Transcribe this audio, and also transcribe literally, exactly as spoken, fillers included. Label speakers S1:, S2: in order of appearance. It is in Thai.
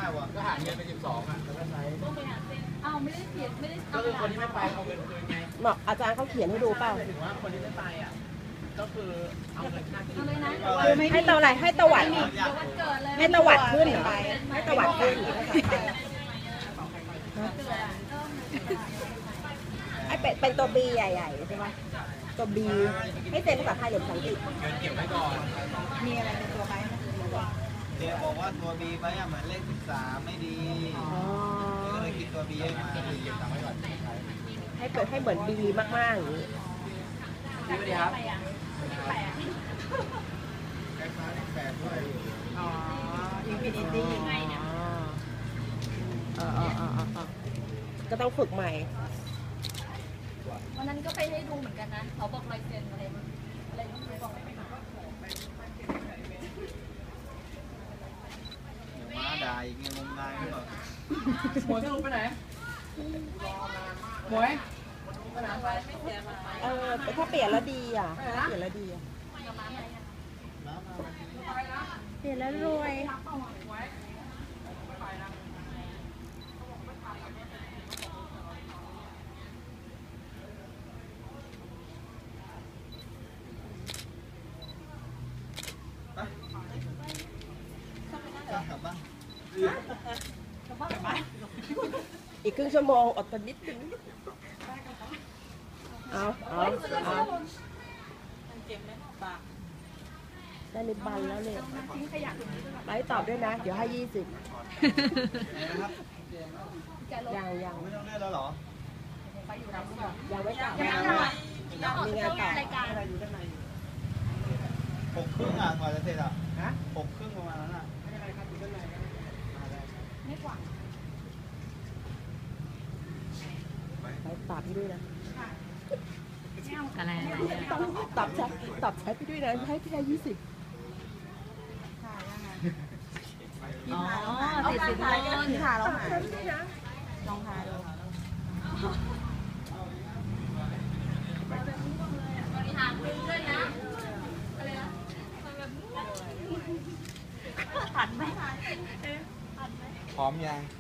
S1: ว่ะก็หาเงินไปสิบสองอ่ะแล้วก็ใช้
S2: อ้าวไม่ได้เขียนไม่ได้
S1: ก็คือคนที่ไม่ไปเอาเงินคืนไง
S3: บอกอาจารย์เขาเขียนให้ดูเปล่า
S1: ถึงว่าคนที่ไม่ไปอ่ะก็คือเอาเงินค่าที่
S2: เลยนะ
S3: ให้ตะอะไรให้ตะวัดให้ตะวัดขึ้นเหรอให้ตะวัดขึ้นไอเป็ดเป็นตัวบีใหญ่ๆใช่ไหมตัวบีให้เซ็นภาษาไทยหรือภาษาอังกฤษ
S1: เงินเก็บไว้ก่อน
S2: มีอะไรในตัวไหม
S4: เดี๋ยวบอกว่าตัวบีไปอ่ะเหมือนเลขสิบสามไม่ดีก็เลยคิดตัวบีให้มา
S1: เก็บตังค์ไว้ก่อน
S3: ให้เกิดให้เหมือนบีมากๆอย่างนี้
S1: สวัสดีครับ
S2: อ๋ออินฟินิตี้ยังไงเนี่ย
S3: อ๋ออ๋ออ๋ออ๋อก็ต้องฝึกใหม่
S2: วันนั้นก็ไปให้ดูเหมือนกันนะเขาบอกลายเซ็นอะไรอะไรต้องไปบอกไป
S4: ม้าด่าอีกเงี้ยงมงายหรือเปล่า
S1: หมวยจะลงไปไหนหมวย
S3: เออถ้าเปลี่ยนแล้วดีอ่ะเปลี่ยนแล้วดีอ่ะเปลี่ยนแล้วรวย
S4: กลับบ้าน
S3: อีกครึ่งชั่วโมงอดทนนิดนึงเอาเอาเอาได้ลิบบันแล้วเนี่ยไลฟ์ตอบด้วยนะเดี๋ยวให้ยี่สิบยังยัง
S4: ไม่ต้องเล่นแล้วเหรอ
S3: ยังไม่กลับมีงานต่อ
S4: หกครึ่งอ่ะกว่าจะเสร็จอ่ะหกครึ่งประมาณนั้นอ่ะ
S2: ไม่กว่า
S3: ไลฟ์ตอบให้ด้วยนะ
S2: อะไร
S3: ต้องตอบแชทตอบแชทให้ด้วยนะให้พี่ได้ยี่สิบ
S2: อ๋อติดสินบน
S3: ค่ะเราหาย
S2: ลองหาดูบริหารมือด้วยนะอะไรนะผัดไหม
S4: พร้อมยัง